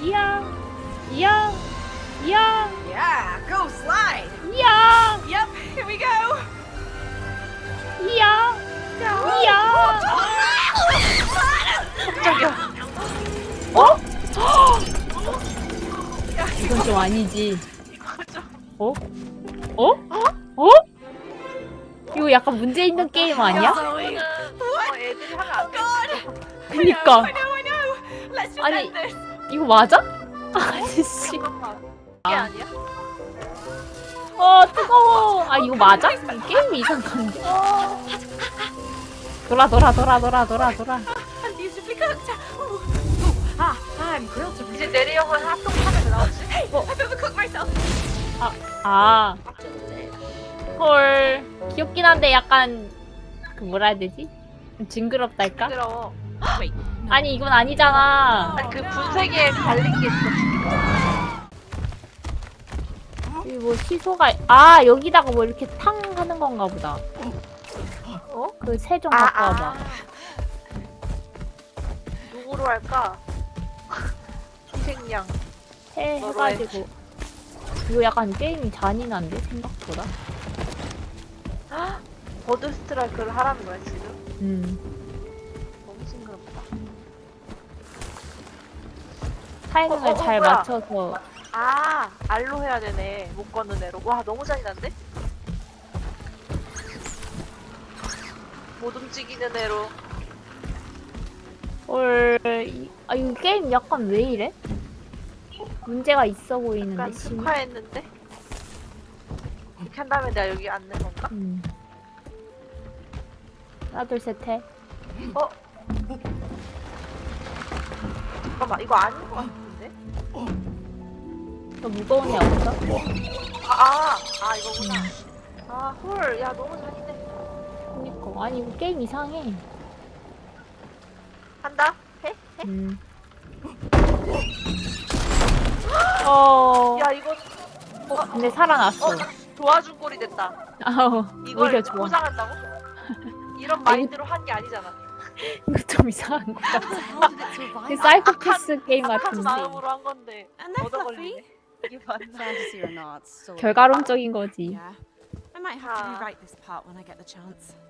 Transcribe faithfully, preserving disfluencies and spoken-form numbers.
이야, 이야, 이야, Yeah, go slide. 이야, Yep, here we go. 이야, 이야. 깜짝이야. 어? 이건 좀 아니지. 어? 어? 어? 이거 약간 문제 있는 게임 아니야? 어, 애들이 하면 안 돼. 그니까. I know, I know. Let's just 아니, end this. 이거 맞아? 아저씨. 잠깐만. 이게 아니야? 어, 뜨거워. 아, 이거 맞아? 이 게임이 이상한데. 돌아, 돌아, 돌아, 돌아, 돌아, 돌아. These should be cooked. Ooh. Ooh. Ah, I'm grilled to 이제 내리형은 핫도그 하면 나오지? Hey, I've overcooked myself. 아, 헐. 귀엽긴 한데 약간, 그 뭐라 해야 되지? 좀 징그럽달까? 부끄러워. Wait. 아니, 이건 아니잖아. 아니 그 분쇄기에 갈린 게 있어. 여기 뭐 시소가, 아, 여기다가 뭐 이렇게 탕 하는 건가 보다. 어? 그 새 좀 갖고 와봐. 누구로 할까? 희생양. 새 너로 해. 해가지고. 이거 약간 게임이 잔인한데, 생각보다? 버드 스트라이크를 하라는 거야 지금? 음. 너무 징그럽다. 타이밍을 어, 어, 어, 잘 뭐야? 맞춰서. 아 알로 해야 되네. 못 걷는 애로. 와 너무 잔인한데? 못 움직이는 애로. 헐, 이- 아, 이거 게임 약간 왜 이래? 문제가 있어 보이는데, 약간 심. 특화했는데? 이렇게 한 다음에 내가 여기 앉는 건가? 음. 하나, 둘, 셋, 해. 어? 잠깐만 이거 아닌 것 같은데? 더 무거운 애 없어? 아, 아, 아 이거구나. 아, 헐, 야 너무 잔인해. 그니까. 아니, 이거 게임 이상해. 한다? 해? 해? 음. 어. 야 이거 근데 살아났어. 어 도와준 꼴이 됐다. 아우, 이걸 오히려 좋아. 포장한다고? 이런 마인드로 한 게 아니잖아. 이거 좀 이상한 거 같아. How did it survive? 그 사이코패스 게임 착한 같은데. 마음으로 한 건데 And they're 얻어 fluffy. 걸리네. 이게 맞나? Fantasy or not, still. 결과론적인 거지. Yeah. I might have to Ah. rewrite this part when I get the chance.